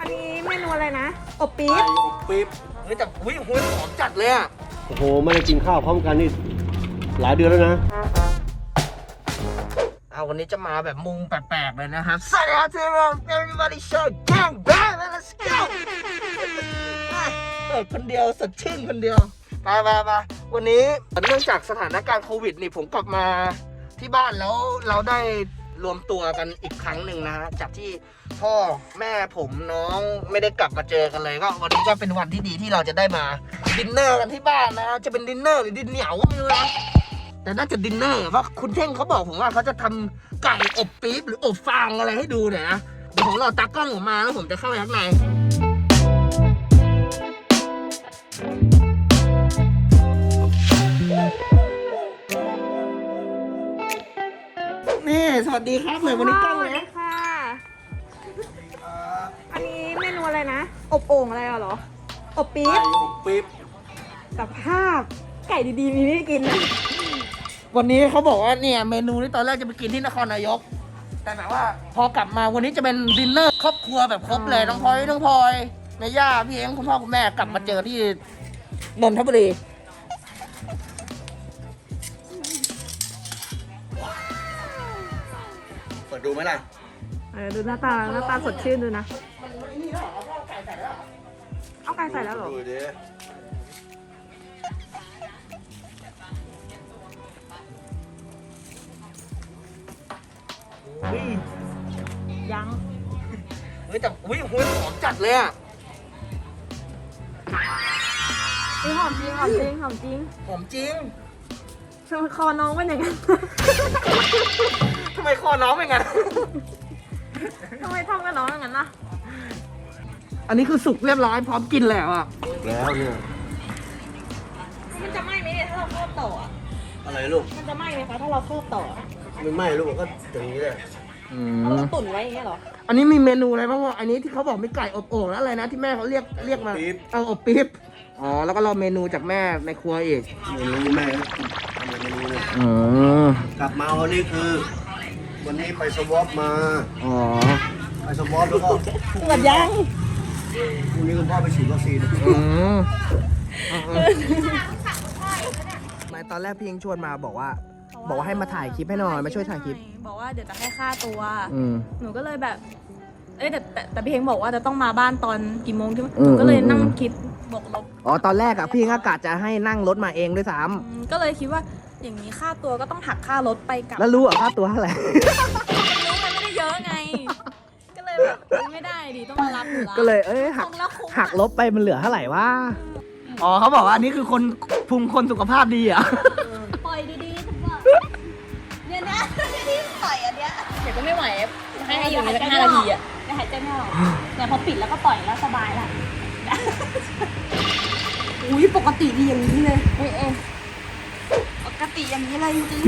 อันนี้เมนูอะไรนะอบปี๊บปี๊บเฮ้ยแต่หอมจัดเลยอ่ะโอ้โหไม่ได้กินข้าวพร้อมกันนี่หลายเดือนแล้วนะวันนี้จะมาแบบมุงแปลกๆเลยนะครับสวัสดีครับทุกคน everybody show gang bang let's go คนเดียวสดชื่นคนเดียวไปวันนี้เนื่องจากสถานการณ์โควิดนี่ผมกลับมาที่บ้านแล้วเราได้รวมตัวกันอีกครั้งหนึ่งนะฮะจากที่พ่อแม่ผมน้องไม่ได้กลับมาเจอกันเลยก็วันนี้ก็เป็นวันที่ดีที่เราจะได้มาดินเนอร์กันที่บ้านนะจะเป็นดินเนอร์หรือดินเหนียวไม่รู้นะแต่น่าจะดินเนอร์ว่าคุณเท่งเขาบอกผมว่าเขาจะทำไก่อบปี๊บหรืออบฟางอะไรให้ดูหน่อยนะเดี๋ยวผมรอตากล้องผมมาแล้วผมจะเข้าไปข้างในนี่สวัสดีครับเลยวันนี้กล้องเลยค่ะอันนี้เมนูอะไรนะอบโอ่งอะไรเหรออบปี๊บปี๊บกับภาพไก่ดีๆมีไม่กินนะวันนี้เขาบอกว่าเนี่ยเมนูนี้ตอนแรกจะไปกินที่นครนายกแต่แบบว่าพอกลับมาวันนี้จะเป็นดินเนอร์ครอบครัวแบบครบเลยน้องพลอยแม่ย่าพี่เอ็งคุณพ่อคุณแม่กลับมาเจอที่นนทบุรีเปิดดูไหมล่ะดูหน้าตาสดชื่นดูนะเอาไก่ใส่แล้วเหรอยังแต่หอมจัดเลยอ่ะหอมจริงหอมจริงหอมจริงหอมจริงทำไมคอน้องเป็นอย่างนั้นทำไมคอน้องเป็นงั้นทำไมทำกับน้องอย่างนั้นนะอันนี้คือสุกเรียบร้อยพร้อมกินแล้วอ่ะแล้วเนี่ยมันจะไหม้ไหมเนี่ยถ้าเราครอบต่ออะไรลูกมันจะไหม้ไหมคะถ้าเราครอบต่อไม่ไหม้ลูกก็อย่างนี้แหละเราตุ๋นไว้อย่างเงี้ยเหรออันนี้มีเมนูอะไรบ้างวะอันนี้ที่เขาบอกมีไก่อบโอ่งแล้วอะไรนะที่แม่เขาเรียกมาอบปี๊บแล้วก็รอเมนูจากแม่ในครัวอีกเมนูแม่ทำเมนูเลยกลับมาวันนี้คือวันนี้ไปสวอปมาไปสวอปแล้วก็หมดยังพรุ่งนี้คุณพ่อไปฉีดวัคซีนไม่ตอนแรกพี่ยิงชวนมาบอกว่าให้มาถ่ายคลิปให้หน่อยมาช่วยถ่ายคลิปบอกว่าเดี๋ยวจะให้ค่าตัวหนูก็เลยแบบแต่พี่เฮงบอกว่าจะต้องมาบ้านตอนกี่โมงใช่ไหมหนูก็เลยนั่งคิดบวกลบตอนแรกอะพี่เฮงอากาศจะให้นั่งรถมาเองด้วยซ้ำก็เลยคิดว่าอย่างนี้ค่าตัวก็ต้องหักค่ารถไปกับแล้วรู้เหรอค่าตัวเท่าไหร่รู้มันไม่ได้เยอะไงก็เลยแบบไม่ได้ดิต้องมารับก็เลยหักลบไปมันเหลือเท่าไหร่วะเขาบอกว่าอันนี้คือคนสุขภาพดีอ่ะปล่อยดีๆทุกคนเนี่ยนะที่ปล่อยอันเนี้ยเดี๋ยวก็ไม่ไหวให้อยู่ใน5 นาทีอ่ะได้หายใจไม่ออกแต่พอปิดแล้วก็ปล่อยแล้วสบายละอุ้ยปกติดีอย่างนี้เลยปกติอย่างนี้เลยจริง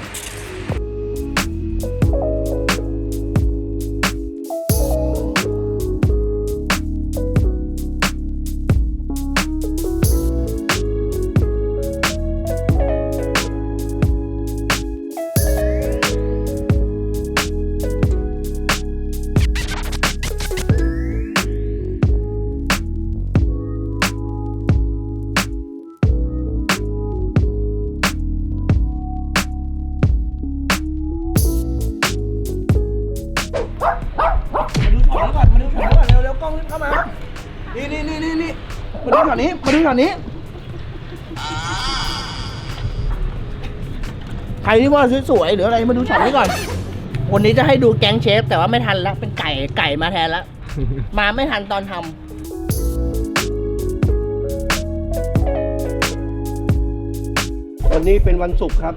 มาดูแถวนี้ใครที่ว่าสวยๆหรืออะไรมาดูช็อตนี้ก่อนวันนี้จะให้ดูแก๊งเชฟแต่ว่าไม่ทันแล้วเป็นไก่มาแทนแล้วมาไม่ทันตอนทำวันนี้เป็นวันศุกร์ครับ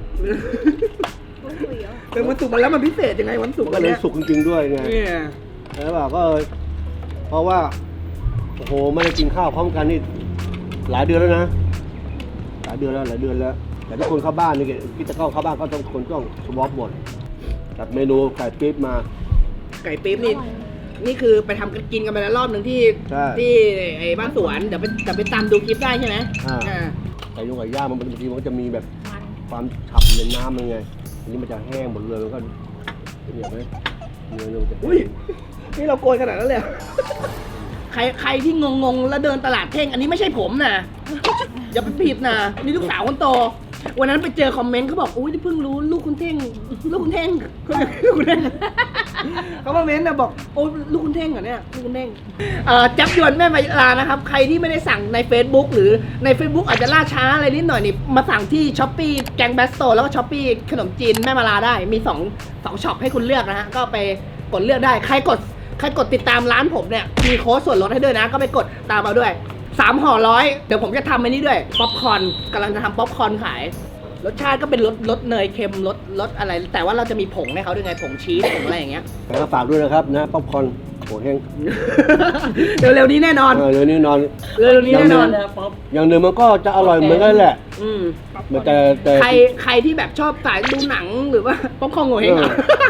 เป็นวันศุกร์แล้วมันพิเศษยังไงวันศุกร์วันนี้ศุกร์จริงๆด้วยไงแล้วก็เพราะว่าโอ้โหไม่ได้กินข้าวพร้อมกันนี่หลายเดือนแล้วนะหลายเดือนแล้วแต่ทุกคนเข้าบ้านนี่คิดจะเข้าบ้านก็ต้องคนต้องสวอปหมดจัดเมนูไก่ปี๊บมาไก่ปี๊บนี่คือไปทำกินกันไปแล้วรอบหนึ่งที่ไอ้บ้านสวนเดี๋ยวไปตามดูคลิปได้ใช่ไหมไก่ย่างมันบางทีมันก็จะมีแบบความฉ่ำในน้ำมันไงอันนี้มันจะแห้งหมดเลยมันก็เหนียวไหมเนื้อจะนี่เราโกยขนาดนั้นเลยใครที่งงแล้วเดินตลาดเท่งอันนี้ไม่ใช่ผมนะอย่าไปผิดนะนี่ลูกสาวคนโตวันนั้นไปเจอคอมเมนต์เขาบอกอุ้ยเพิ่งรู้ลูกคุณเท่งลูกคุณเท่งลูกคุณเท่งเขาคอมเมนต์นะบอกโอ้ลูกคุณเท่งเหรอเนี่ยลูกคุณเท่งจับยวนแม่มาลานะครับใครที่ไม่ได้สั่งใน Facebook หรือใน Facebook อาจจะล่าช้าอะไรนิดหน่อยนี่มาสั่งที่ Shopee แกงแบสโตแล้วก็ Shopee ขนมจีนแม่มาลาได้มี2ช็อปให้คุณเลือกนะฮะก็ไปกดเลือกได้ใครกดติดตามร้านผมเนี่ยมีโค้ดส่วนลดให้ด้วยนะก็ไปกดตามเอาด้วย3ห่อ100เดี๋ยวผมจะทำอันนี้ด้วยป๊อปคอร์นกำลังจะทำป๊อปคอร์นขายรสชาติก็เป็นรสเนยเค็มรสอะไรแต่ว่าเราจะมีผงให้เขาด้วยไงผงชีสผงอะไรอย่างเงี้ยแต่ก็ฝากด้วยนะครับนะป๊อปคอร์นโหแห้งเร็วๆนี้แน่นอนเร็วนี้นอนเร็วๆนี้แน่นอนอย่างหนึ่งมันก็จะอร่อยเหมือนกันแหละอืมมันแต่ใครที่แบบชอบสายดูหนังหรือว่าป๊อปคอร์นโง่เฮงอะ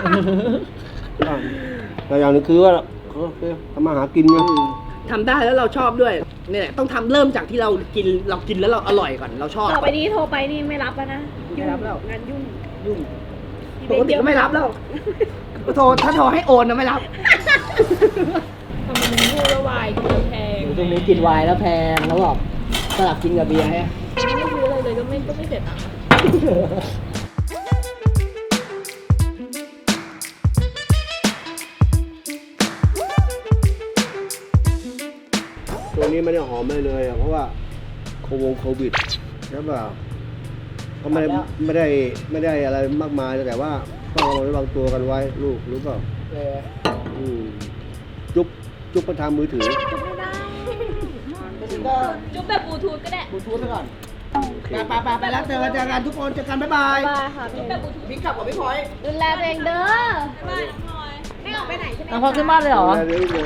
แต่อย่างหนึงคือว่าทำมาหากินไงทำได้แล้วเราชอบด้วยเนี่ยแหละต้องทำเริ่มจากที่เรากินแล้วเราอร่อยก่อนเราชอบต่อไปนี้โทรไปนี่ไม่รับแล้วนะไม่รับแล้วงานยุ่งยุ่งปกติก็ไม่รับแล้วถ้าโทรให้โอนนะไม่รับทำเป็นพูดแล้ววายกินแล้วแพงตรงนี้กินไวน์แล้วแพงแล้วบอกสลับกินกับเบียร์ฮะไม่ซื้ออะไรเลยก็ไม่เสร็จอ่ะตัวนี้ไม่ได้หอมเลยอะเพราะว่าโควิดใช่ป่ะก็ไม่ได้อะไรมากมายแต่ว่าต้องระวังตัวกันไว้ลูกรู้เปล่าจุ๊บประทามมือถือจุ๊บแบบบลูทูธก็ได้บลูทูธไปก่อนไปแล้วเจอกันทุกคนเจอกันบ๊ายบายบายค่ะจุ๊บแบบบลูทูธพี่ขับกับพี่พลอยดูแลตัวเองเด้อบ๊ายบายน้องพลอยไม่ออกไปไหนใช่ไหมน้องพอขึ้นบ้านเลยเหรอเดี๋ยวนะ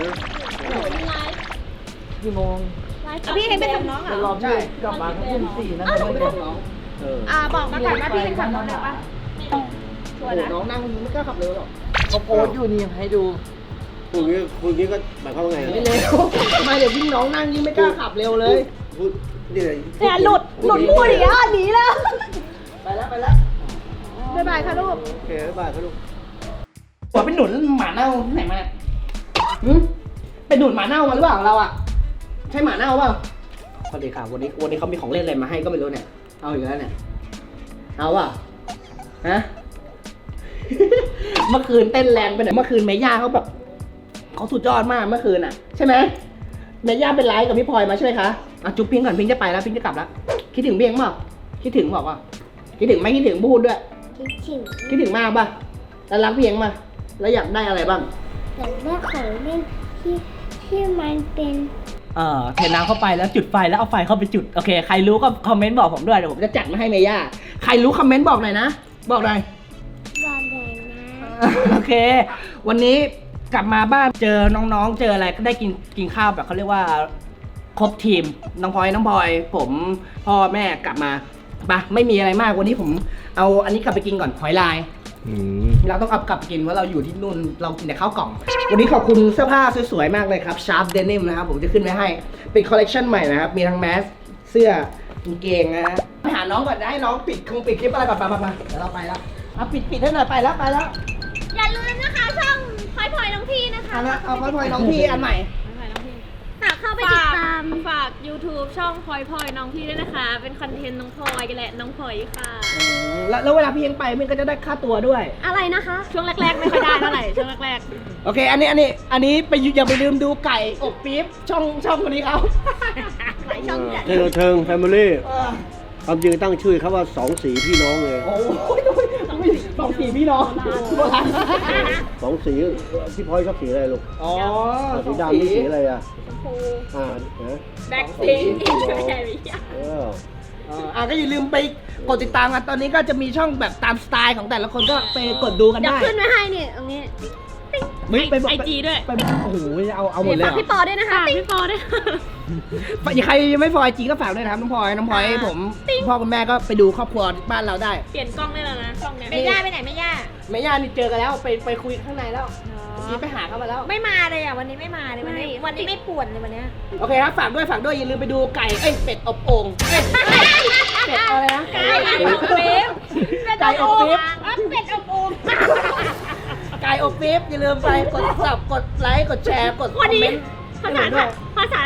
กี่โมงพี่เห็นไปกับน้องเหรเดี๋ยวอรอพี่กลับมาก็ทุ่มสี่นะไม่ได้น้องบอกมาก่อนว่าพี่เป็นขับรถได้ปะชัวร์นะน้องนั่งไม่กล้าขับเร็วหรอกเขาโพสต์อยู่นี่ให้ดูคุณนี้ก็หมายความว่าไงไม่เร็วไม่เดี๋ยวยิ่งน้องนั่งยิ่งไม่กล้าขับเร็วเลยพูดนี่เลยเนี่ยหลุดพูดอีกแล้วหนีแล้วไปแล้วบ๊ายบายค่ะลูกโอเคบ๊ายบายครับลูกหัวเป็นหนุนหมาเน่าไหนมาเนี่ยเป็นหนุนหมาเน่ามาหรือเปล่าเราอ่ะใช่หมาเน่าเปล่าสวัสดีค่ะวันนี้เขามีของเล่นอะไรมาให้ก็ไม่รู้เนี่ยเอาอีกแล้วเนี่ยเอาอ่ะฮะ เมื่อคืนเต้นแรงไปหน่อยเมื่อคืนเมย่าเขาแบบเขาสุดยอดมากเมื่อคืนอ่ะใช่ไหมเมย่าเป็นไลฟ์กับพี่พลอยมาใช่ไหมคะอ่ะจุ๊บพิงก่อนพิงจะไปแล้วพิงจะกลับแล้วคิดถึงเบียงเปล่าคิดถึงบอกว่าคิดถึงไม่คิดถึงพูดด้วยคิดถึงมากป่ะแล้วรักเพียงป่ะแล้วอยากได้อะไรบ้างอยากได้ของเล่นที่มันเป็นเทน้ำเข้าไปแล้วจุดไฟแล้วเอาไฟเข้าไปจุดโอเคใครรู้ก็คอมเมนต์บอกผมด้วยเดี๋ยวผมจะจัดมาให้เมย่าใครรู้คอมเมนต์บอกหน่อยนะบอกหน่อยบอลเลยนะโอเค วันนี้กลับมาบ้านเจอน้องๆ เจออะไรก็ได้กินข้าวแบบเขาเรียกว่าครบทีมน้องพลอยผมพ่อแม่กลับมาปะไม่มีอะไรมากวันนี้ผมเอาอันนี้กลับไปกินก่อนหอยลายเราต้องเอากลับไปกินว่าเราอยู่ที่นู่นเรากินแต่ข้าวกล่อง วันนี้ขอบคุณเสื้อผ้าสวยๆมากเลยครับ Sharp Denim นะครับผมจะขึ้นไว้ให้เป็นคอลเลกชันใหม่นะครับมีทั้งแมสเสื้อกางเกงนะไปหาน้องก่อนนะให้น้องปิดคลิปอะไรก่อนไปเดี๋ยวเราไปแล้วปิดให้หน่อยไปแล้วอย่าลืมนะคะช่องพลอยน้องพี่นะคะเอาพลอยน้องพี่อันใหม่ฝากเข้าไปติดตามฝาก YouTube ช่องพลอยน้องพี่ด้วยนะคะ เป็นคอนเทนต์น้องพลอยกันแหละน้องพลอยค่ะแล้วเวลาพี่เองไปมันก็จะได้ค่าตัวด้วยอะไรนะคะ ช่วงแรกๆไม่ค่อยได้เท่าไหร่ช่วงแรกโอเค อันนี้ไปอย่าไปลืมดูไก่อบปี๊บช่องคนนี้เขาๆหลายช่องจัดเทิงแฟมิลี่ความจริงตั้งชื่อเขาว่าสองสีพี่น้องเลยโอ้ยสองสีพี่น้องโบราณสองสีพี่พลอยชอบสีอะไรลูกอ๋อสีดำนี่สีอะไรอ่ะชมพูนะแบ็คพิงค์อินแคริก็อย่าลืมไปกดติดตามกันตอนนี้ก็จะมีช่องแบบตามสไตล์ของแต่ละคนก็ไปกดดูกันเดี๋ยวได้ขึ้นไว้ให้เนี่ยตรงนี้ไอจีด้วย โอ้โหเอาหมดเลยฝากพี่ปอด้วยนะคะพี่ปอด้วยใครยังไม่ฟอยจีก็ฝากด้วยนะครับน้องพลอยผมพ่อคุณแม่ก็ไปดูครอบครัวบ้านเราได้เปลี่ยนกล้องได้แล้วนะช่องเนี้ยไม่ย่าไปไหนไม่ย่าแม่ย่านี่เจอกันแล้วไปคุยข้างในแล้วนี่ไปหาเขามาแล้วไม่มาเลยอ่ะวันนี้ไม่มาเลยวันนี้ไม่ป่วนเลยวันเนี้ยโอเคครับฝากด้วยอย่าลืมไปดูไก่เป็ดอบโอ่งเป็ดอะไรนะไก่อบปี๊บไก่อบปี๊บเป็ดอบโอ่งไก่อบปี๊บอย่าลืมไปกดซับกดไลค์กดแชร์กดคอมเมนต์ขนาด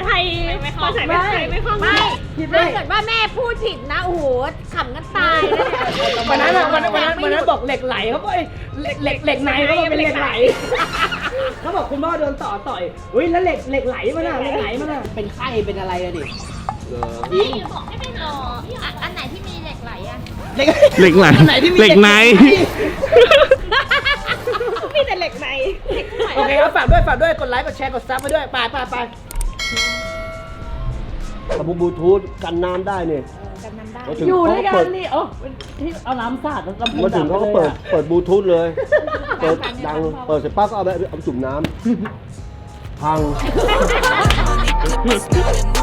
ไทยภาษาไทยไม่คล่องไม่ถ้าเกิดว่าแม่พูดผิดนะโอ้โหขำกันตายเลยวันนั้นบอกเหล็กไหลเขาบอกเหล็กในเขาบอกเป็นเหล็กไหลเขาบอกคุณพ่อโดนต่อยเฮ้ยแล้วเหล็กไหลมาน่ะเหล็กไหลมาน่ะเป็นไข้เป็นอะไรอะดิพี่บอกให้เป็นอันไหนที่มีเหล็กไหลอะเหล็กไหลเหล็กในมีแต่เหล็กในโอเคครับฝากด้วยกดไลค์กดแชร์กดซับไปด้วยไปกระปุกบลูทูธกันน้ำได้เนี่ยอยู่ด้วยกันนี่ที่เอาน้ำสาดลำโพงมาถึงเขาก็เปิดบลูทูธเลย เปิดดังเปิดเสร็จปั๊บก็เอาจุ่มน้ำพัง